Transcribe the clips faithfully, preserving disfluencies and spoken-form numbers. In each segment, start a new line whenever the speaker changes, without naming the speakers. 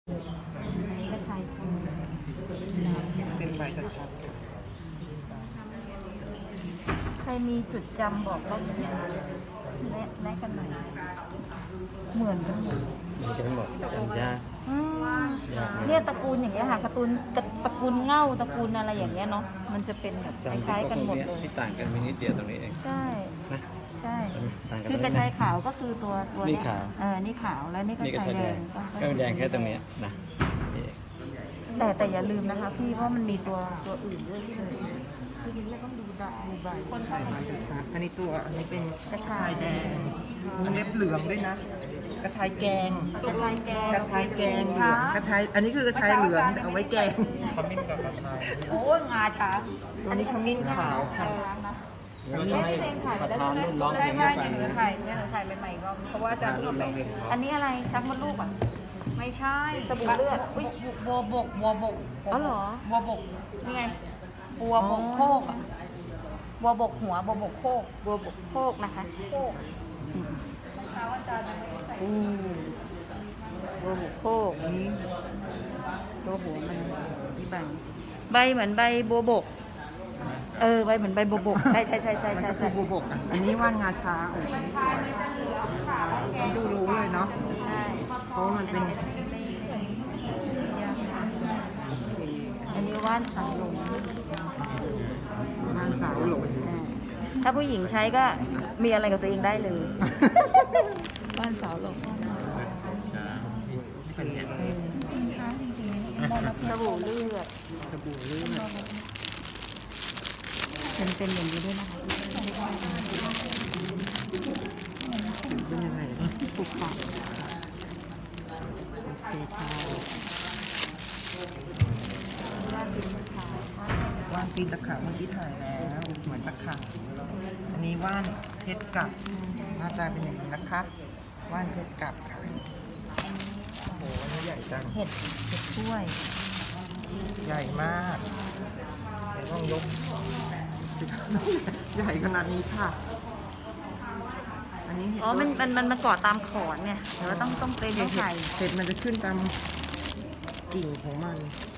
อันนี้ก็ใช้
เป็นใบชัดๆ
ใครมีจุดจำบอกเราแนะแนะกันหน่อยเหมือนกันหมด
เหมือนกันหมดจำยาก
เนี่ยตระกูลอย่างเงี้ยค่ะตระกูลตระกูลเง่าตระกูลอะไรอย่างเงี้ยเนาะมันจะเป็นแบบคล้ายๆกันหมดเลย
ที่ต่างกันมีนิดเดียวตรงนี้เอง
ใช่
นะ
ใช่คือกระชายขาวก็คือตัวตัว
นี่ขาว
เออนี่ขาวแล้วนี่กระชายแดง
ก็แดงแค่ตรงนี้นะ
แต่แต่อย่าลืมนะคะพี่เพราะมันมีตัวตัวอื่นด้วยที่มันคือเราต้องดูดดูใบคนชอบ
ใบกระชายอันนี้ตัวอันนี้เป็น
กระชายแดง
วงเล็บเหลืองด้วยนะกระชายแกง
กระชายแกง
กระชายแกงเหลืองกระชายอันนี้คือกระชายเหลืองแต่เอาไว้แกง
ขมิ้นกับกระชาย
โอ้งาช้าง
ตัวนี้ขมิ้นขาวค่ะ
อันนี้เพลงถ่ายไปแล้วใช่ไหมใช่ใช่เนี่ยหนูถ่ายเนี่ยหนูถ่ายใหม่ๆก็เพราะว่าจะพูดไปอันนี้อะไรชักมดลูกอ่ะไม่ใช่สบู่เลือดอุ้ยบัวบกบัวบกอ๋อเหรอบัวบกนี่ไงบัวบกโคกอ่ะบัวบกหัวบัวบกโคกบัวบกโคกนะคะโคกเช้าอาจารย์อืมบัวบกโคก
นี้
ตัวหัวมันนี่ใบใบเหมือนใบบัวบกเออใบเหมือนใบบัวบกใช่ใช่ใช่ใช่ใช่
ใช่บัวบกอ่ะอันนี้ว่านงาช้างโอ้ยสวยดูรู้เลยเนาะเพราะมันเป็น
อันนี้ว่านสาวหลง
ว่านสาวหลง
ถ้าผู้หญิงใช้ก็มีอะไรกับตัวเองได้เลยว่านสาวหลงสบู่เลือด
สบู่เลือด
เป็นเป็นอย่างนี้ด้วยนะคะ
เป็นยังไง
ปุกปัก
โอเคค่ะว่านปีนตะขาบเมื่อกี้ถ่ายแล้วเหมือนตะขาบอันนี้ว่านเพชรกับหน้าตาเป็นอย่างนี้นะคะว่านเพชรกับค่ะโอ้โหอันนี้ใหญ่จัง
เห็ดเห็ดถ้วย
ใหญ่มากเดี๋ยวต้องยกใหญ่ขนาดนี้ค่ะอันนี้
อ๋อมันมันมันมาเกาะตามขอนเนี่ยเดี๋ยวต้องต้องเป็นต้องไข่
เห็ดมันจะขึ้นตามกิ่งของมัน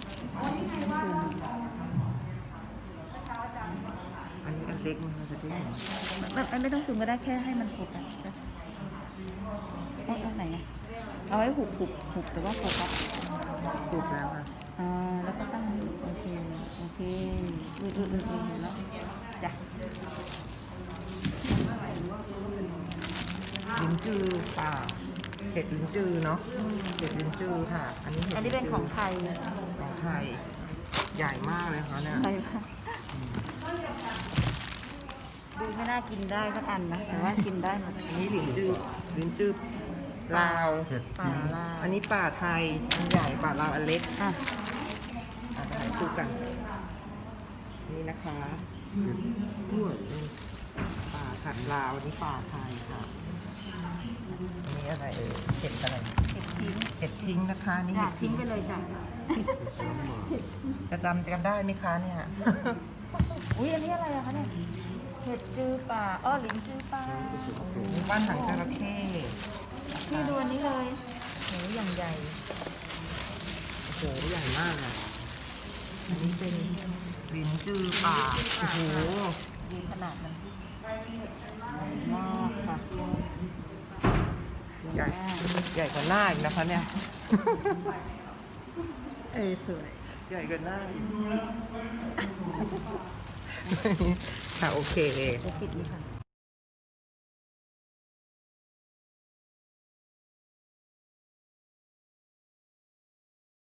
อันนี้อันเล็กมันจะได้เห็น
ไม่ไม่ต้องซูมก็ได้แค่ให้มันผูกกันเอาเอาไหนอะเอาไว้ผูกผูกผูกแต่ว่าผูกครับ
ผูกแล้วค่ะ
อ่าแล้วก็ตั้งโอเคโอเคอืออืออืออือเห็นแล้วจ้ะ
ลิ้นจือป่าเห็ดลิ้นจือเนาะเห็ดลิ้นจือค่ะอันนี้
อันนี้เป็นของไทย
ของไทยใหญ่มากเลยค่ะเนี่ย
ใหญ่มากดูไม่น่ากินได้สักอันนะแต่ว่ากินได้หมด
อันนี้ลิ้นจือลิ้นจือลาว
ป่าลาว
อันนี้ป่าไทยอันใหญ่ป่าลาวอันเล็ก
อ่ะ
อ่ะถ่ายคู่กันนี่นะคะป่าถัดลาวอันนี้ป่าไทยค่ะอันนี้อะไรเอ่ยเห็ดอะไร
เห็ดทิ้ง
เห็ดทิ้งนะคะนี่
เห็ดทิ้งไปเลยจ้ะ
จะจำกันได้ไหมคะเนี่ย
อุ้ยอันนี้อะไรอะคะเนี่ยเห็ดจือป่าอ้อหลินจือป่า
มีบ้านหางจระเข้
นี่ดูอันนี้เลยโหอย่างใหญ่
โอ้โหใหญ่มากอ่ะอันนี้เป็นลิ้นจือป่าโอ้โห
ดีขนาดนั้นมากค่ะ
ใหญ่ใหญ่กว่าหน้าอีกนะคะเนี่ย
เออสวย
ใหญ่กว่าหน้าอีกค่ะโอเค
จะปิดนี่ค่ะ